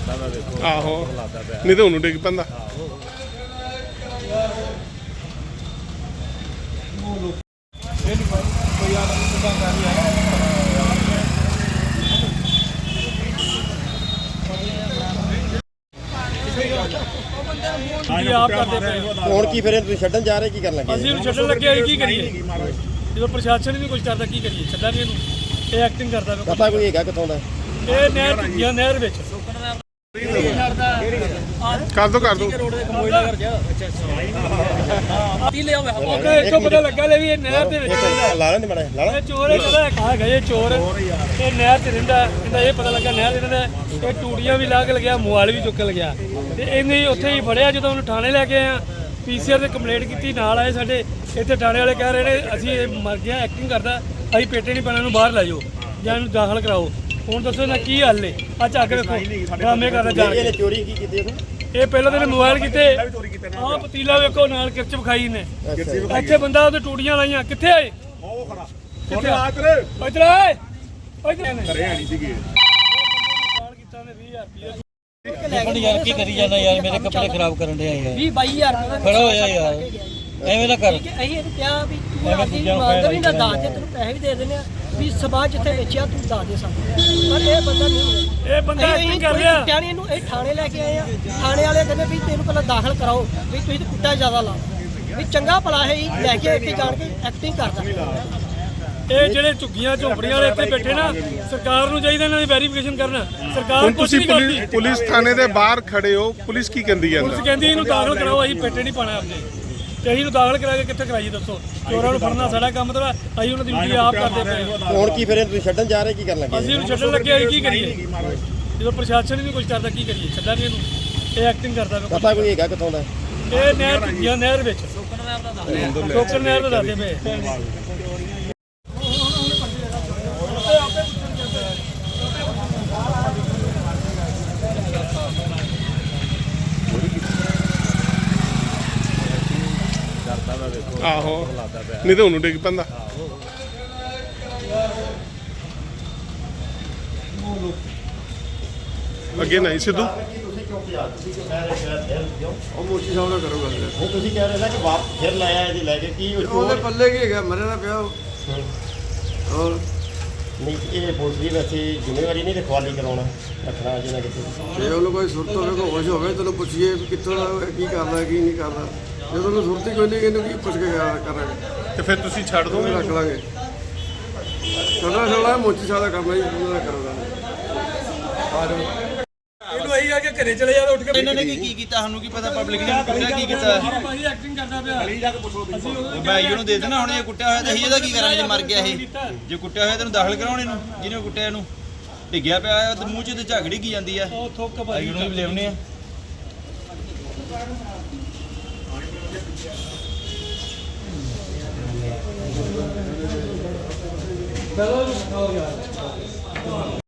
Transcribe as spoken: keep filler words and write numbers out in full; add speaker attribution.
Speaker 1: ਆਹੋ ਨਹੀਂ ਤਾਂ ਉਹਨੂੰ ਡਿੱਗ ਪੈਂਦਾ।
Speaker 2: ਹੁਣ ਕੀ ਫਿਰ ਤੁਸੀਂ ਛੱਡਣ ਜਾ ਰਹੇ ਕੀ ਕਰਨ ਲੱਗੇ?
Speaker 3: ਅਸੀਂ ਇਹਨੂੰ ਛੱਡਣ ਲੱਗੇ ਕੀ ਕਰੀਏ ਜਦੋਂ ਪ੍ਰਸ਼ਾਸਨ ਹੀ ਨਹੀਂ ਕੁਝ ਕਰਦਾ ਕੀ ਕਰੀਏ? ਛੱਡਾਂਗੇ ਇਹਨੂੰ, ਇਹ ਐਕਟਿੰਗ ਕਰਦਾ।
Speaker 2: ਪਤਾ ਕੋਈ ਹੈਗਾ ਕਿੱਥੋਂ ਦਾ?
Speaker 3: ਇਹ ਨਹਿਰ ਝੁੱਗੀਆਂ ਨਹਿਰ ਵਿੱਚ
Speaker 1: ਕਰ ਦੋ ਕਰ ਦੋ
Speaker 3: ਇੱਥੋਂ ਪਤਾ ਲੱਗਾ ਲੈ ਵੀ ਇਹ ਨਹਿਰ ਦੇ ਵਿੱਚ
Speaker 2: ਲਾ ਲੈਂਦੇ ਮਾੜਾ ਲਾ
Speaker 3: ਇਹ ਚੋਰ ਪਤਾ ਆ ਗਏ ਚੋਰ ਇਹ ਨਹਿਰ 'ਚ ਰਹਿੰਦਾ। ਇਹਦਾ ਇਹ ਪਤਾ ਲੱਗਾ ਨਹਿਰ ਰਹਿੰਦਾ। ਇਹ ਟੂਟੀਆਂ ਵੀ ਲਾ ਕੇ ਲਗਿਆ, ਮੋਬਾਈਲ ਵੀ ਚੁੱਕ ਲਗਿਆ ਤੇ ਇਹਨੇ ਉੱਥੇ ਹੀ ਫੜਿਆ। ਜਦੋਂ ਉਹਨੂੰ ਥਾਣੇ ਲੈ ਕੇ ਆਏ ਆ, ਪੀਸੀਆਰ ਤੇ ਕੰਪਲੇਂਟ ਕੀਤੀ, ਨਾਲ ਆਏ ਸਾਡੇ ਇੱਥੇ ਥਾਣੇ ਵਾਲੇ ਕਹਿ ਰਹੇ ਨੇ ਅਸੀਂ ਇਹ ਮਰ ਗਿਆ, ਐਕਟਿੰਗ ਕਰਦਾ, ਅਸੀਂ ਪੇਟੇ ਨਹੀਂ ਪੈਣਾ, ਇਹਨੂੰ ਬਾਹਰ ਲੈ ਜਾਓ ਜਾਂ ਇਹਨੂੰ ਦਾਖਲ ਕਰਾਓ। ਹੁਣ ਦੱਸੋ ਨਾ ਕੀ ਹੱਲ ਏ? ਆ ਝੱਕ ਵੇਖੋ ਡਰਾਮੇ ਕਰਦਾ ਜਾ ਕੇ।
Speaker 2: ਚੋਰੀ ਕੀ ਕੀਤੀ ਇਹਨੂੰ?
Speaker 3: ਇਹ ਪਹਿਲਾਂ ਤਾਂ ਮੋਬਾਈਲ ਕੀਤੇ, ਆਹ ਪਤੀਲਾ ਵੇਖੋ ਨਾਲ ਕਿਰਚ ਵਿਖਾਈ ਨੇ। ਇੱਥੇ ਬੰਦਾ ਉਹਦੇ ਟੂਟੀਆਂ ਲਾਈਆਂ, ਕਿੱਥੇ ਆਏ?
Speaker 4: ਉਹ ਖੜਾ
Speaker 3: ਕਿੱਥੇ
Speaker 4: ਆ ਤੇਰੇ
Speaker 3: ਇੱਧਰ ਆਏ ਇੱਧਰ
Speaker 4: ਘਰੇ ਆਣੀ ਸੀਗੀ।
Speaker 3: ਸਾਲ ਕੀਤਾ ਨੇ ਵੀਹ ਹਜ਼ਾਰ ਰੁਪਏ
Speaker 5: ਯਾਰ ਕੀ ਕਰੀ ਜਾਂਦਾ ਯਾਰ, ਮੇਰੇ ਕੱਪੜੇ ਖਰਾਬ ਕਰਨ ਦੇ ਯਾਰ।
Speaker 6: ਵੀਹ ਬਾਈ ਹਜ਼ਾਰ ਰੁਪਏ
Speaker 5: ਖੜਾ ਹੋ ਜਾ ਯਾਰ, ਐਵੇਂ ਨਾ ਕਰ।
Speaker 6: ਅਸੀਂ ਇਹਨੂੰ ਕਿਹਾ ਵੀ ਤੂੰ ਆਪਣੀ ਇਮਾਨਦਾਰੀ ਨਾਲ ਦੱਸ ਦੇ, ਤੈਨੂੰ ਪੈਸੇ ਵੀ ਦੇ ਦਿੰਦੇ ਆ ਵੀ ਸਮਾਂ ਜਿੱਥੇ ਵੇਚਿਆ ਤੂੰ ਦੱਸ ਦੇ ਸਾਨੂੰ। ਪਰ ਇਹ ਬੰਦਾ ਨਹੀਂ,
Speaker 3: ਇਹ ਬੰਦਾ ਐਕਟਿੰਗ ਕਰ ਰਿਹਾ।
Speaker 6: ਕੁੱਟਿਆ ਨਹੀਂ ਇਹਨੂੰ, ਇਹ ਥਾਣੇ ਲੈ ਕੇ ਆਏ ਆ। ਥਾਣੇ ਵਾਲੇ ਕਹਿੰਦੇ ਵੀ ਤੈਨੂੰ ਪਹਿਲਾਂ ਦਾਖਲ ਕਰਾਓ ਵੀ ਤੁਸੀਂ ਤਾਂ ਕੁੱਟਾ ਜ਼ਿਆਦਾ ਲਾ ਵੀ ਚੰਗਾ ਭਲਾ ਹੈ ਲੈ ਕੇ ਇੱਥੇ ਜਾਣ ਕੇ ਐਕਟਿੰਗ ਕਰਦਾ।
Speaker 3: ਇਹ ਜਿਹੜੇ ਝੁੱਗੀਆਂ ਝੋਪੜੀਆਂ ਵਾਲੇ ਇੱਥੇ ਬੈਠੇ ਨਾ, ਸਰਕਾਰ ਨੂੰ ਚਾਹੀਦਾ ਇਹਨਾਂ ਦੀ ਵੈਰੀਫਿਕੇਸ਼ਨ ਕਰਨਾ। ਸਰਕਾਰ
Speaker 1: ਹੁਣ
Speaker 3: ਕੁਝ
Speaker 1: ਤੁਸੀਂ
Speaker 3: ਨਹੀਂ
Speaker 1: ਪੁਲਿਸ
Speaker 3: ਕਰਦੀ।
Speaker 1: ਪੁਲਿਸ ਥਾਣੇ ਦੇ ਬਾਹਰ ਖੜੇ ਹੋ, ਪੁਲਿਸ ਕੀ ਕਹਿੰਦੀ ਹੈ?
Speaker 3: ਪੁਲਿਸ ਕਹਿੰਦੀ ਇਹਨੂੰ ਦਾਖਲ ਕਰਾਓ, ਅਸੀਂ ਪੇਟੇ ਨਹੀਂ ਪਾਣਾ ਆਪਣੇ ਤੇ ਅਸੀਂ ਨੂੰ ਦਾਖਲ ਕਰਾ ਕੇ ਕਿੱਥੇ ਕਰਾਈਏ ਦੱਸੋ? ਚੋਰਾਂ ਨੂੰ ਫੜਨਾ ਸਾਡਾ ਕੰਮ ਤਾਂ ਅਸੀਂ ਉਹਨਾਂ ਦੀ ਡਿਊਟੀ ਆਪ ਕਰਦੇ ਪਏ।
Speaker 2: ਹੁਣ ਕੀ ਫਿਰ ਤੁਸੀਂ ਛੱਡਣ ਜਾ ਰਹੇ ਕੀ ਕਰਨ ਲੱਗੇ?
Speaker 3: ਅਸੀਂ ਇਹਨੂੰ ਛੱਡਣ ਲੱਗੇ ਅਸੀਂ ਕੀ ਕਰੀਏ ਜਦੋਂ ਪ੍ਰਸ਼ਾਸਨ ਹੀ ਨਹੀਂ ਕੁਝ ਕਰਦਾ ਕੀ ਕਰੀਏ? ਛੱਡਾਂਗੇ ਇਹਨੂੰ, ਇਹ ਐਕਟਿੰਗ ਕਰਦਾ।
Speaker 2: ਪਤਾ ਕੋਈ ਹੈਗਾ ਕਿੱਥੋਂ ਦਾ?
Speaker 3: ਇਹ ਨਹਿਰ ਝੁੱਗੀਆਂ ਨਹਿਰ ਵਿੱਚ ਸੋਕਰ ਨਹਿਰ ਦਾ ਦੱਸਦੇ ਪਏ।
Speaker 1: ਆਹੋ ਨਹੀਂ ਤਾਂ ਉਹਨੂੰ ਡਿੱਗ ਪੈਂਦਾ। ਅੱਗੇ ਨਹੀਂ ਸਿੱਧੂ
Speaker 7: ਉਹ ਮੋਚੀ ਸਾਹਿਬ ਨਾਲ ਕਰੋ ਗੱਲ।
Speaker 2: ਨਹੀਂ ਤੁਸੀਂ ਕਹਿ ਰਹੇ ਸੀ ਕਿ ਵਾਪ ਫਿਰ ਲਾਇਆ ਇਹਦੀ ਲੈ ਕੇ ਕੀ
Speaker 7: ਉਹਦੇ ਪੱਲੇ ਕੀ ਹੈਗਾ, ਮਰੇ ਦਾ ਪਿਆ ਉਹ। ਹੋਰ
Speaker 2: ਨਹੀਂ ਇਹ ਪੁਲਿਸ ਦੀ ਵੈਸੇ ਜ਼ਿੰਮੇਵਾਰੀ ਨਹੀਂ ਰਖਵਾਲੀ ਕਰਾਉਣਾ ਰੱਖਣਾ ਜਿਹਨਾਂ ਕਿਤੇ।
Speaker 7: ਜੇ ਉਹਨੂੰ ਕੋਈ ਸੁਰਤ ਹੋਵੇ, ਕੋਈ ਹੋਸ਼ ਹੋਵੇ, ਤੈਨੂੰ ਪੁੱਛੀਏ ਵੀ ਕਿੱਥੋਂ ਦਾ, ਕੀ ਕਰਦਾ ਕੀ ਨਹੀਂ ਕਰਦਾ। ਜਦੋਂ ਉਹਨੂੰ ਸੁਰਤ ਹੀ ਕੋਈ ਨਹੀਂ, ਇਹਨੂੰ ਕੀ ਪੁੱਛ ਕੇ ਕਰਾਂਗੇ?
Speaker 1: ਤੇ ਫਿਰ ਤੁਸੀਂ ਛੱਡ ਦੋਗੇ?
Speaker 7: ਰੱਖ ਲਾਂਗੇ। ਛੋਟਾ ਛੋਟਾ ਮੋਚੀ ਸਾਹਿਬ ਦਾ ਕੰਮ ਹੈ ਜੀ, ਉਹਨਾਂ ਦਾ ਕਰੋਗਾ। ਆ ਜਾਓ
Speaker 3: ਇਹਨੂੰ ਅਸੀਂ ਆ ਕੇ ਘਰੇ ਚਲੇ ਜਾਵੇ ਉੱਠ ਕੇ।
Speaker 5: ਇਹਨਾਂ ਨੇ ਕੀ ਕੀਤਾ ਸਾਨੂੰ ਕੀ ਪਤਾ, ਪਬਲਿਕ ਨੇ ਕੁੱਟਿਆ ਕੀ ਕੀਤਾ?
Speaker 3: ਭਾਈ ਐਕਟਿੰਗ ਕਰਦਾ ਪਿਆ।
Speaker 5: ਉਹ ਬਾਈ ਉਹਨੂੰ ਦੇ ਦੇਣਾ, ਹੁਣ ਇਹ ਕੁੱਟਿਆ ਹੋਇਆ ਤੇ ਅਸੀਂ ਇਹਦਾ ਕੀ ਕਰਾਂਗੇ ਜੇ ਮਰ ਗਿਆ ਇਹ? ਜੇ ਕੁੱਟਿਆ ਹੋਇਆ ਤੈਨੂੰ ਦਾਖਲ ਕਰਾਉਣ ਇਹਨੂੰ, ਜਿਹਨੇ ਕੁੱਟਿਆ ਇਹਨੂੰ ਡਿੱਗਿਆ ਪਿਆ ਤੇ ਮੂੰਹ 'ਚ ਤੇ ਝਗੜੀ ਕੀ ਜਾਂਦੀ ਆ।
Speaker 3: ਉਹ ਥੁੱਕ
Speaker 5: ਭਾਈ ਉਹਨੂੰ ਵੀ ਲਿਆਉਣੇ ਆ।
Speaker 3: ਚਲੋ ਜੀ, ਖਾਓ ਯਾਰ।